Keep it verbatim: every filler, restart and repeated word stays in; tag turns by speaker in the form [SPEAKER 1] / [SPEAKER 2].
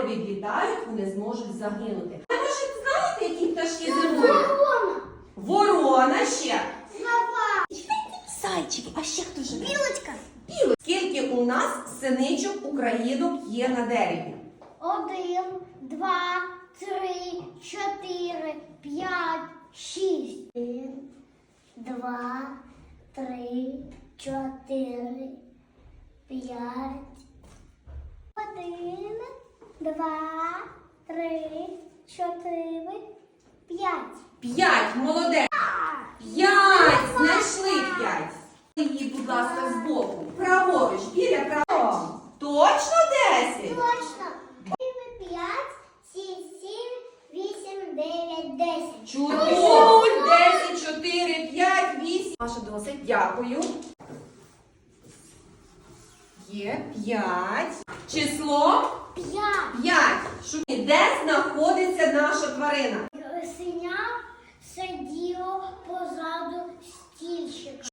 [SPEAKER 1] відлітають, вони зможуть загинути. А ви ж знаєте, які пташки зимують? Ворона. Ворона ще. Зайчики. А ще хто живе?
[SPEAKER 2] Білочка.
[SPEAKER 1] Білочка. Скільки у нас синичок українок є на дереві?
[SPEAKER 2] Один, два, три, чотири, п'ять, шість. Один, два, три, чотири, п'ять. Один, два, три, чотири, п'ять.
[SPEAKER 1] П'ять. Молодець. П'ять. Знайшли п'ять. Її, будь ласка, збоку. Праворуч. Біля праворуч. Точно десять?
[SPEAKER 2] Точно. П'ять, шість, сім, вісім, дев'ять, десять.
[SPEAKER 1] Чудово! Десять, чотири, п'ять, вісім. Маша, досить. Дякую. Є п'ять. Число?
[SPEAKER 2] П'ять.
[SPEAKER 1] П'ять. Шукай, де знаходиться наша тварина?
[SPEAKER 2] Синя сиділо позаду стільчика.